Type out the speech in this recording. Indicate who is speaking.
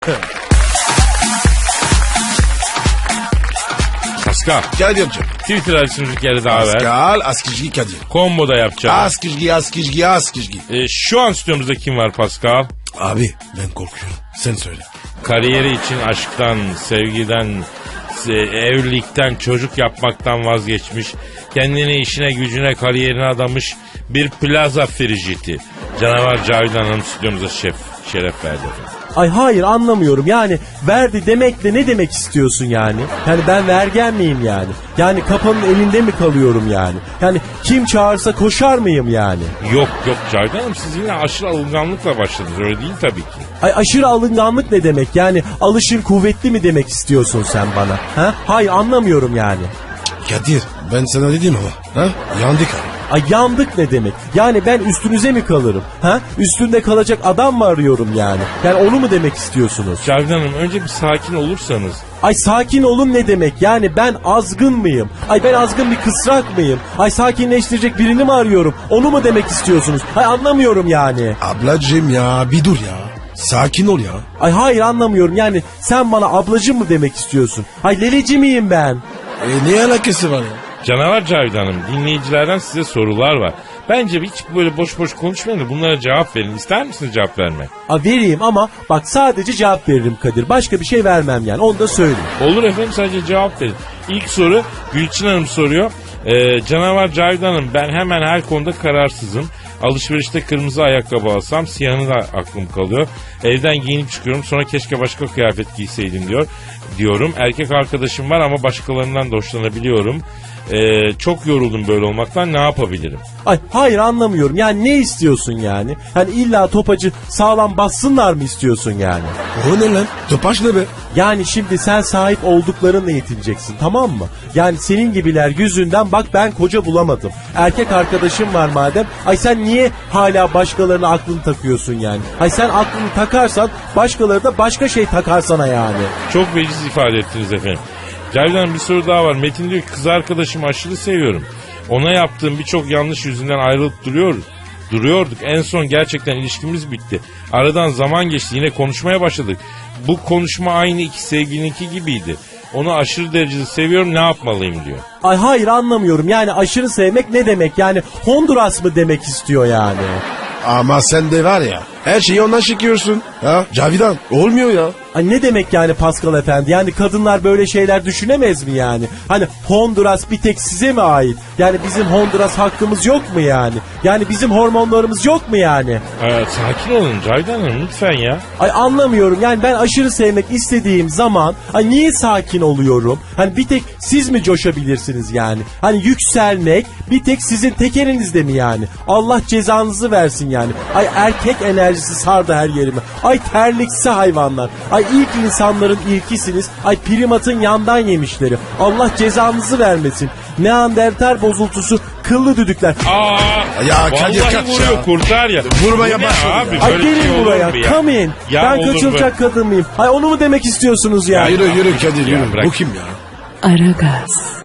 Speaker 1: Pascal.
Speaker 2: Kadir'cim.
Speaker 1: Twitter adresimizi bir kere daha ver.
Speaker 2: Pascal Askizgi Kadir.
Speaker 1: Combo da yapacağım.
Speaker 2: Askizgi.
Speaker 1: Şu an stüdyomuzda kim var Pascal?
Speaker 2: Abi ben korkuyorum. Sen söyle.
Speaker 1: Kariyeri için aşktan, sevgiden, evlilikten, çocuk yapmaktan vazgeçmiş, kendini işine gücüne kariyerine adamış bir plaza frijiti. Canavar Cavidan Hanım stüdyomuza şeref verdi efendim.
Speaker 3: Ay hayır anlamıyorum yani verdi demekle ne demek istiyorsun yani? Yani ben vergen miyim yani? Yani kapanın elinde mi kalıyorum yani? Yani kim çağırsa koşar mıyım yani?
Speaker 1: Yok Cavidan Hanım, siz yine aşırı alınganlıkla başladınız, öyle değil tabii ki.
Speaker 3: Ay aşırı alınganlık ne demek yani? Alışın kuvvetli mi demek istiyorsun sen bana? Ha? Hayır anlamıyorum yani.
Speaker 2: Kadir ben sana dedim ama. Ha? Yandık abi.
Speaker 3: Ay yandık ne demek? Yani ben üstünüze mi kalırım? Ha? Üstünde kalacak adam mı arıyorum yani? Yani onu mu demek istiyorsunuz?
Speaker 1: Cavidan Hanım, önce bir sakin olursanız.
Speaker 3: Ay sakin olun ne demek? Yani ben azgın mıyım? Ay ben azgın bir kısrak mıyım? Ay sakinleştirecek birini mi arıyorum? Onu mu demek istiyorsunuz? Ay anlamıyorum yani.
Speaker 2: Ablacığım ya bir dur ya. Sakin ol ya.
Speaker 3: Ay hayır anlamıyorum yani sen bana ablacım mı demek istiyorsun? Ay leleci miyim ben?
Speaker 2: Ne alakası var ya?
Speaker 1: Canavar Cavidan Hanım, dinleyicilerden size sorular var. Bence hiç böyle boş boş konuşmayın da bunlara cevap verin. İster misiniz cevap vermek?
Speaker 3: Vereyim ama bak sadece cevap veririm Kadir. Başka bir şey vermem yani onu da söyleyeyim.
Speaker 1: Olur efendim, sadece cevap verin. İlk soru Gülçin Hanım soruyor. Canavar Cavidan Hanım, ben hemen her konuda kararsızım. Alışverişte kırmızı ayakkabı alsam siyahını da aklım kalıyor. Evden giyinip çıkıyorum, sonra keşke başka kıyafet giyseydim diyorum. Erkek arkadaşım var ama başkalarından da hoşlanabiliyorum. Çok yoruldum böyle olmaktan, ne yapabilirim?
Speaker 3: Ay hayır anlamıyorum yani ne istiyorsun yani? Hani illa topacı sağlam bassınlar mı istiyorsun yani?
Speaker 2: O ne lan? Topaç ne be?
Speaker 3: Yani şimdi sen sahip olduklarınla yetineceksin tamam mı? Yani senin gibiler yüzünden bak ben koca bulamadım. Erkek arkadaşım var madem. Ay sen niye hala başkalarına aklını takıyorsun yani? Ay sen aklını takarsan başkaları da başka şey takar sana yani.
Speaker 1: Çok veciz ifade ettiniz efendim. Cavidan, bir soru daha var. Metin diyor ki kız arkadaşımı aşırı seviyorum. Ona yaptığım birçok yanlış yüzünden ayrılıp duruyorduk. En son gerçekten ilişkimiz bitti. Aradan zaman geçti, yine konuşmaya başladık. Bu konuşma aynı iki sevgilininki gibiydi. Onu aşırı derecede seviyorum, ne yapmalıyım diyor.
Speaker 3: Ay hayır anlamıyorum yani aşırı sevmek ne demek yani Honduras mı demek istiyor yani?
Speaker 2: Ama sen de var ya her şeyi ondan çekiyorsun. Ha? Cavidan olmuyor ya.
Speaker 3: Ay ne demek yani Pascal Efendi? Yani kadınlar böyle şeyler düşünemez mi yani? Hani Honduras bir tek size mi ait? Yani bizim Honduras hakkımız yok mu yani? Yani bizim hormonlarımız yok mu yani?
Speaker 1: Sakin olun Cavidan Hanım lütfen ya.
Speaker 3: Ay anlamıyorum yani ben aşırı sevmek istediğim zaman ay niye sakin oluyorum? Hani bir tek siz mi coşabilirsiniz yani? Hani yükselmek bir tek sizin tek elinizde mi yani? Allah cezanızı versin yani. Ay erkek enerjisi sardı her yerime. Ay terliksi hayvanlar. Ay ilk insanların ilkisiniz. Ay primatın yandan yemişleri. Allah cezanızı vermesin. Neandertal bozultusu kıllı düdükler.
Speaker 2: Ya Kadir
Speaker 1: vallahi
Speaker 2: kaç
Speaker 1: vuruyor
Speaker 2: ya.
Speaker 1: Kurtar ya.
Speaker 2: Vurmaya
Speaker 1: Bu ne
Speaker 2: başladı.
Speaker 1: abi,
Speaker 3: Ay
Speaker 1: böyle şey
Speaker 3: gelin
Speaker 1: olur
Speaker 3: buraya
Speaker 1: mu ya?
Speaker 3: come in.
Speaker 1: Ya
Speaker 3: Ben
Speaker 1: olur
Speaker 3: kaçılacak kadın mıyım? Ay onu mu demek istiyorsunuz ya?
Speaker 2: Yürü Kadir
Speaker 1: Ya
Speaker 2: yürü.
Speaker 1: bırak.
Speaker 2: Bu kim ya?
Speaker 4: Aragaz.